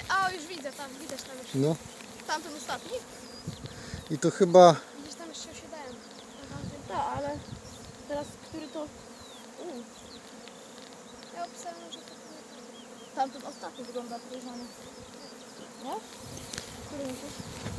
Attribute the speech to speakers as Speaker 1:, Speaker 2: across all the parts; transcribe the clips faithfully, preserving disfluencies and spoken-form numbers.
Speaker 1: A, już widzę, tam, widać tam już.
Speaker 2: No.
Speaker 1: Tamten ostatni?
Speaker 2: I to chyba...
Speaker 1: Widzisz, tam jeszcze osiadałem.
Speaker 3: Tak, ale teraz który to... U,
Speaker 1: Ja obstawiam, że to
Speaker 3: tamten ostatni wygląda podejrzany. Nie? Który myślisz?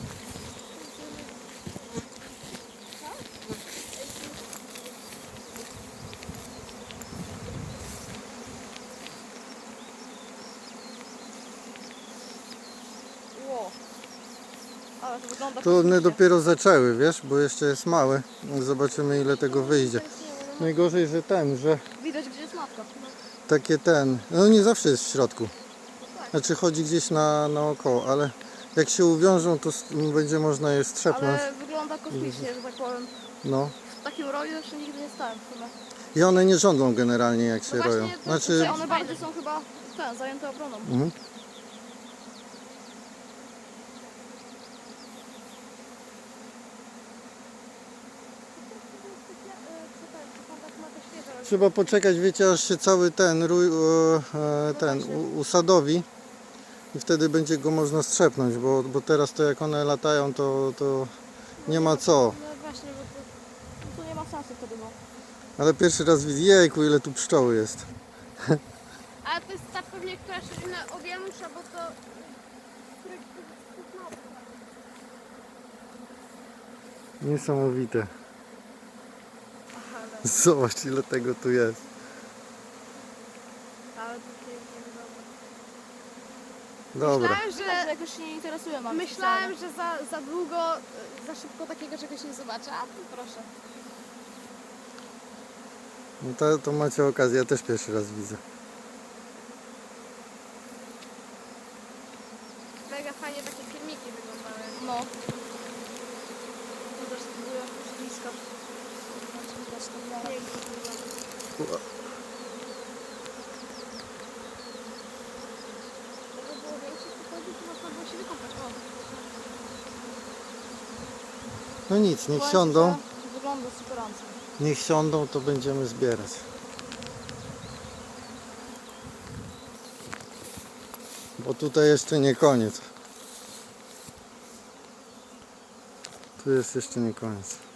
Speaker 3: Ło. Ale to wygląda
Speaker 2: To one
Speaker 3: kosmicznie.
Speaker 2: dopiero zaczęły, wiesz, bo jeszcze jest mały. Zobaczymy, ile tego wyjdzie. Najgorzej, że ten, że
Speaker 3: Widać, gdzie jest matka.
Speaker 2: takie ten... No nie zawsze jest w środku. Znaczy chodzi gdzieś na, naokoło, ale jak się uwiążą, to s- będzie można je strzepnąć.
Speaker 3: Ale wygląda kosmicznie, że tak powiem.
Speaker 2: No.
Speaker 3: W takim roju jeszcze nigdy nie stałem w sumie.
Speaker 2: I one nie żądlą generalnie, jak się
Speaker 1: No
Speaker 2: roją.
Speaker 1: właśnie, to-
Speaker 2: Znaczy...
Speaker 3: Znaczy, one bardziej są chyba ten, zajęte obroną.
Speaker 2: Mhm. Trzeba poczekać, wiecie, aż się cały ten rój, e, e, ten u- usadowi i wtedy będzie go można strzepnąć, bo, bo teraz to jak one latają, to, to nie ma co.
Speaker 1: No właśnie, bo to...
Speaker 3: No to nie ma sensu wtedy, bo...
Speaker 2: Ale pierwszy raz widzę, jejku, ile tu pszczoły jest.
Speaker 1: Ale to jest ta pewnie, która się na owiększa, bo to...
Speaker 2: Niesamowite. Zobacz, ile tego tu jest.
Speaker 1: Ale to pięknie wygląda.
Speaker 2: Dobra.
Speaker 1: Myślałem,
Speaker 3: Że
Speaker 1: że...
Speaker 3: jakoś się nie interesuję mam
Speaker 1: Myślałem, że za, za długo, y, za szybko takiego czegoś nie zobaczę, a tu proszę.
Speaker 2: No to, to macie okazję, ja też pierwszy raz widzę.
Speaker 1: Mega fajnie takie filmiki wyglądały.
Speaker 3: No. To też spróbuję z bliska. Zobaczmy, widać to w miarę.
Speaker 1: Pięknie wygląda. Żeby było większe pochodzi, to można było się wykąpać. O.
Speaker 2: No nic, niech
Speaker 3: Powiem,
Speaker 2: siądą,
Speaker 3: że wygląda superancko.
Speaker 2: niech siądą, to będziemy zbierać. Bo tutaj jeszcze nie koniec. Tu jest jeszcze nie koniec.